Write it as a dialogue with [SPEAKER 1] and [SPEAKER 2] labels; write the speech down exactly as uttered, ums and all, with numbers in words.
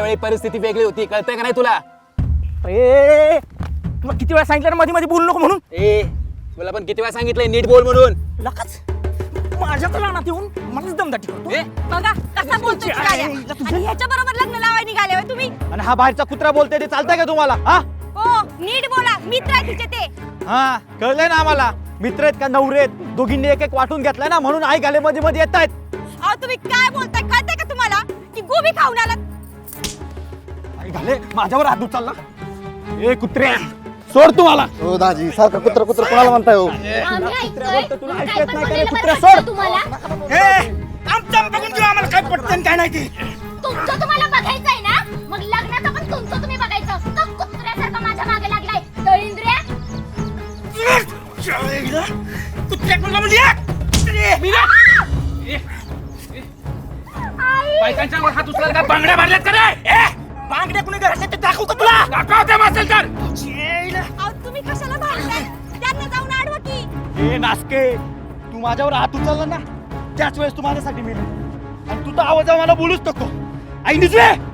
[SPEAKER 1] त्यावेळी परिस्थिती वेगळी होती, कळतंय का नाही तुला?
[SPEAKER 2] ए मग किती वेळा सांगितलं ना मध्ये मध्ये बोलू नको म्हणून?
[SPEAKER 1] ए तुला पण किती वेळा सांगितलंय नीट बोल म्हणून.
[SPEAKER 2] लकाच माझ्याकडे रानात येऊन मलाच दमदाटी करतो.
[SPEAKER 1] ए
[SPEAKER 3] बघा कसा बोलतोय गाड्या. आणि ह्याच्या बरोबर लग्न लावाय निघाले होय तुम्ही.
[SPEAKER 2] आणि हा बाहेरचा कुत्रा बोलतोय ते चालतंय का तुम्हाला? हा
[SPEAKER 3] हो नीट बोला, मित्र आहे तिचे ते.
[SPEAKER 2] हा कळलंय ना आम्हाला. मित्र आहेत का नवरे आहेत? दोघींनी एक एक वाटून घेतलाय ना, म्हणून आई गाले मध्ये मध्ये येत आहेत.
[SPEAKER 3] अहो तुम्ही काय बोलताय, कळतंय का तुम्हाला की गोबी खाऊन आलात?
[SPEAKER 2] आई घाले माझ्यावर हात उचलला. ए कुत्रे सोड तुम्हाला.
[SPEAKER 4] हो दाजी सारखं कुत्र कुत्र कोणाला म्हणताय हो?
[SPEAKER 5] आम्ही
[SPEAKER 2] कुत्र्या
[SPEAKER 5] ऐकतोय.
[SPEAKER 2] बोलतो, तुला
[SPEAKER 5] मग
[SPEAKER 2] ऐकत
[SPEAKER 5] काय पण
[SPEAKER 2] नाही का रे?
[SPEAKER 5] बोलायला
[SPEAKER 2] कुत्र्या
[SPEAKER 5] बरं वाटतं
[SPEAKER 2] सोड.
[SPEAKER 5] तुम्हाला?
[SPEAKER 2] आमचं बघून घेऊ, आम्हाला काय पटतं काय नाही ते.
[SPEAKER 5] तुमचं तुम्हाला बघायचंय ना, मग लग्नाचं पण तुमचं तुम्ही बघायचं. तो कुत्र्यासारखा माझ्या मागे लागलाय दळिंद्र्या.
[SPEAKER 2] कुत्र्या कोणाला म्हणली?
[SPEAKER 1] बायकांच्या वर हात उचलायला काय बांगड्या भरल्यात का रे?
[SPEAKER 2] बांगड्या कुणी घरात ते दाखवू का तुला?
[SPEAKER 1] दाखवते मासेल तर.
[SPEAKER 3] अहो तुम्ही कशाला भांडताय? त्यांना जाऊन अडवा की.
[SPEAKER 2] ए नासके, तू माझ्यावर हात उचलला ना, त्याच वेळेस तू माझ्यासाठी मिळली. आणि तू तर आवाज मला बोलूच नको. आई निजवे